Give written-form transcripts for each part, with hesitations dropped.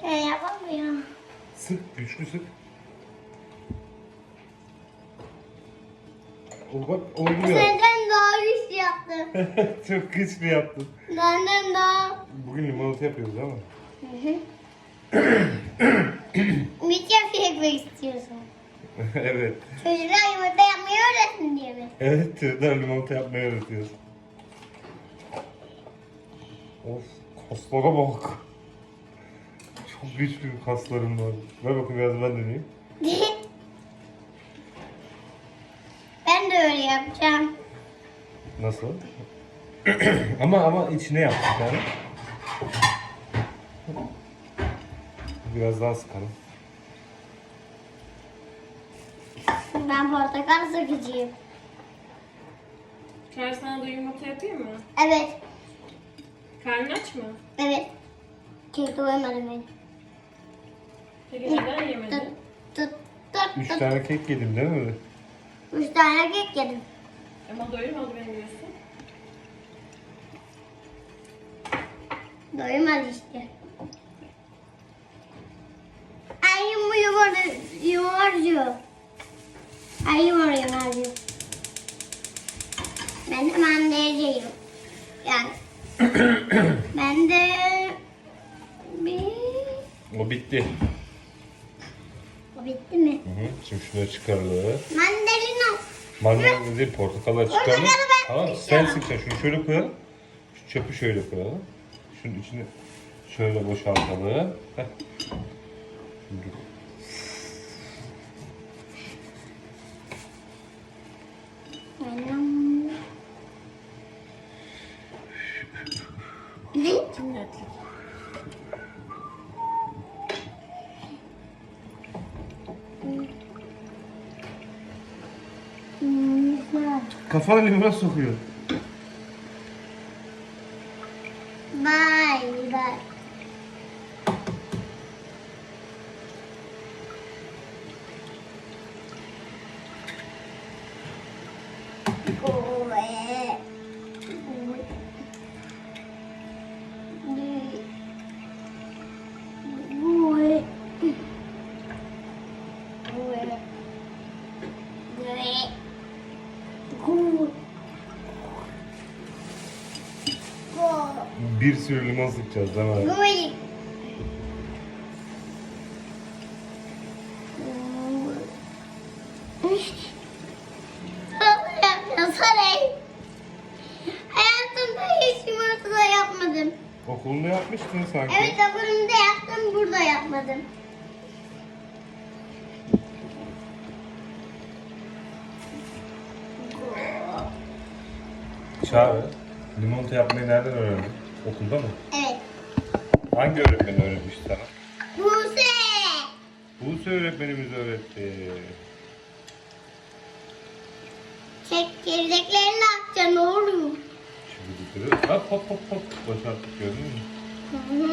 Yapamıyor. Sık, güçlü sık. O bak oldu ya. Senden daha güçlü yaptım. Çok güçlü yaptın. Benden daha. Bugün limonata yapıyoruz ama. Mikrof yapmak istiyorsun. Evet. Çocuklar yumurta yapmayı öğretsin diye mi? Evet, çocuklar limonata yapmayı öğretiyoruz. Of, kaslara bak. Çok güçlü kaslarım var. Ver bakayım biraz ben deneyeyim. Ben de öyle yapacağım. Nasıl? ama içine yap bir tane. Biraz daha sıkalım. Ben portakal sıkıcıyım. Çıkar sana da yumurta yapayım mı? Evet. Karnın aç mı? Evet. Kek doymadım ben. Peki neden Tut yemedin? tut tut 3 tut. tane kek yedim değil mi? 3 tane kek yedim. Ama doyurmadı beni diyorsun. Doymadı işte. Ay yumurcu. Ay yumurcu. Ben de mandalcıyım. Yani. Ben de bir... O bitti. O bitti mi? Hı hı. Şimdi şunları çıkaralım. Mandalina. Mandalina değil, portakalı çıkaralım. Portakalı ben Tamam, sen sıkacağım. sıkacaksın. Şunu şöyle koyalım. Şu çöpü şöyle koyalım. Şunun içini şöyle boşaltalım. Heh. Şimdi Cimnetlik. kafana limona sokuyor. Bye bye. Bir sürü limon sıkacağız değil mi? Hayatımda hiç yumurta yapmadım. Okulunda yapmıştın sanki. Evet, okulumda yaptım, burada yapmadım. Çağrı, limonata yapmayı nereden öğrendin? Okulda mı? Evet. Hangi öğretmen öğretmiş sana? Buse. Buse öğretmenimiz öğretti. Çekirdeklerini atacaksın oğlum. Şimdi bir hop hop hop hop boşalttık, gördün mü? Hı hı.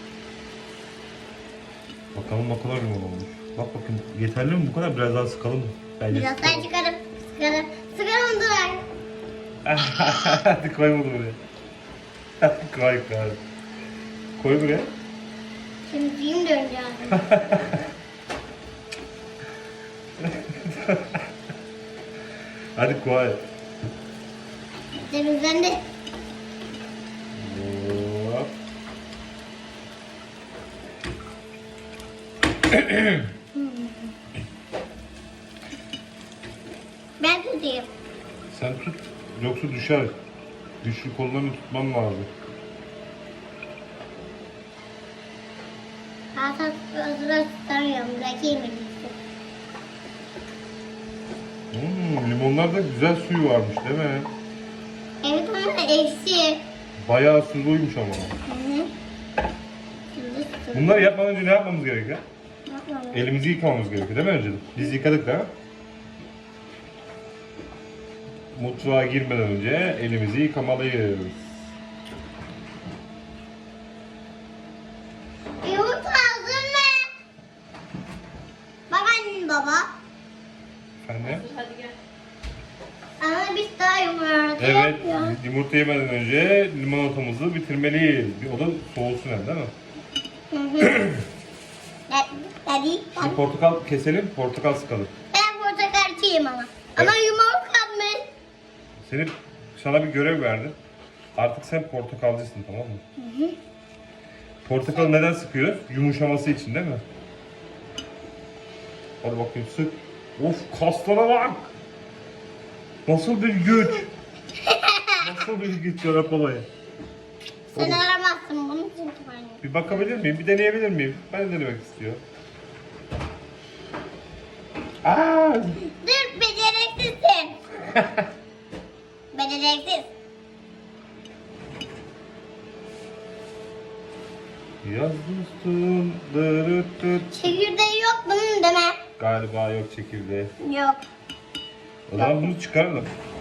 Bakalım ne kadar limon olmuş. Bak bakayım, yeterli mi bu kadar? Biraz daha sıkalım mı? Bence Biraz daha sıkalım. çıkarım. Sıkarım. Sıkarım dur. Hadi koy bunu buraya. Hadi koy koy. Koy buraya. Şimdi film döneceğim. Hadi koy. Temizlendi. Hop. Ben tutayım. Sen tut, yoksa düşer. Güçlü kollarını tutman lazım. Hatta özür tutamıyorum. Bırakayım elbise. Limonlarda güzel suyu varmış değil mi? Evet ama eksi. Bayağı suzluymuş ama. Hı hı. Şimdi Bunları yapmadan önce ne yapmamız gerekiyor? Yapma. Elimizi yıkamamız gerekiyor değil mi önceden? Biz yıkadık da. Mutfağa girmeden önce elimizi yıkamalıyız. Yumurta aldın mı? Bak annem baba. Efendim? Hadi gel. Ama biz daha yumurta Evet, yapıyoruz. yumurta yemeden önce limonatamızı bitirmeliyiz. O da soğusun hem değil mi? Hı hı. Daddy. Şimdi portakal keselim, portakal sıkalım. Ben portakalcıyım ama. Ama yumurtlamış. Sana bir görev verdim. Artık sen portakalcısın, tamam mı? Portakalı neden sıkıyoruz? Yumuşaması için değil mi? Hadi bakayım sık. Of, kaslara bak. Nasıl bir güç. Nasıl bir güç Serap olayı. Sen aramazsın bunu çünkü ben. Bir bakabilir miyim? Bir deneyebilir miyim? Ben de denemek istiyorum. Aa! Dur, beceriksizsin. Beceriksiz. Yaz dostum. Dırıt. Çekirdeği yok bunun deme. Galiba yok çekirdeği. Yok. O zaman bunu çıkaralım.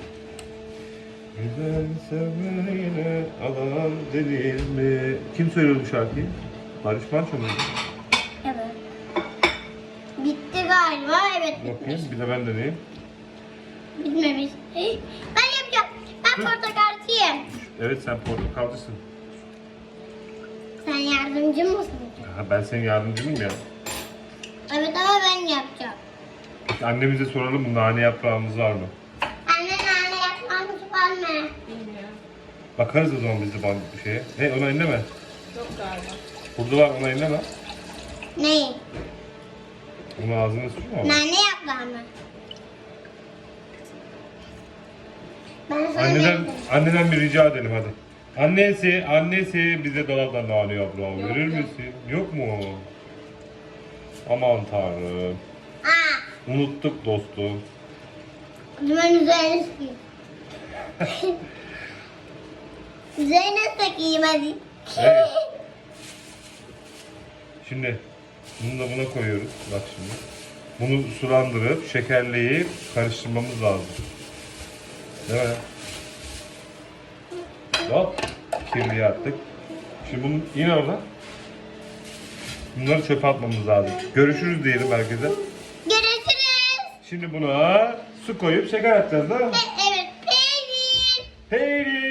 Güzel sevmeyle alan denir mi? Kim söylüyor bu şarkıyı? Barış Manço muydu? Evet. Bitti galiba. Evet bitmiş. Bakayım bir de ben deneyeyim. Bitmemiş. Ben yapacağım. Ben portakalcıyım. Evet sen portakalcısın. Sen yardımcı mısın? Ha, ben senin yardımcınım ya. Evet ama ben yapacağım. Annemize soralım nane yaprağımız var mı? Anne nane yapmamız var mı? Bilmiyorum. Bakarız o zaman biz de bir şeye. Ne ona elleme. Yok galiba. Burada var ona elleme. Neyi? Onun ağzına sürme ama. Nane yaprağı mı? Ben sana Anneden bir rica edelim hadi. Annesi bize dolaptan nane yaprağı verir misin? Yok mu? Aman tanrım. Aa, Unuttuk dostum. ben üzerine sıkayım. Üzerine sıkayım hadi. Evet. Şimdi bunu da buna koyuyoruz. Bak şimdi. Bunu sulandırıp şekerleyip karıştırmamız lazım. Değil mi? Hop. Kirliyi attık. Şimdi bunu yine orada. Bunları çöpe atmamız lazım. Görüşürüz diyelim herkese. Görüşürüz. Şimdi buna su koyup şeker atacağız değil mi? Evet, peynir. Peynir.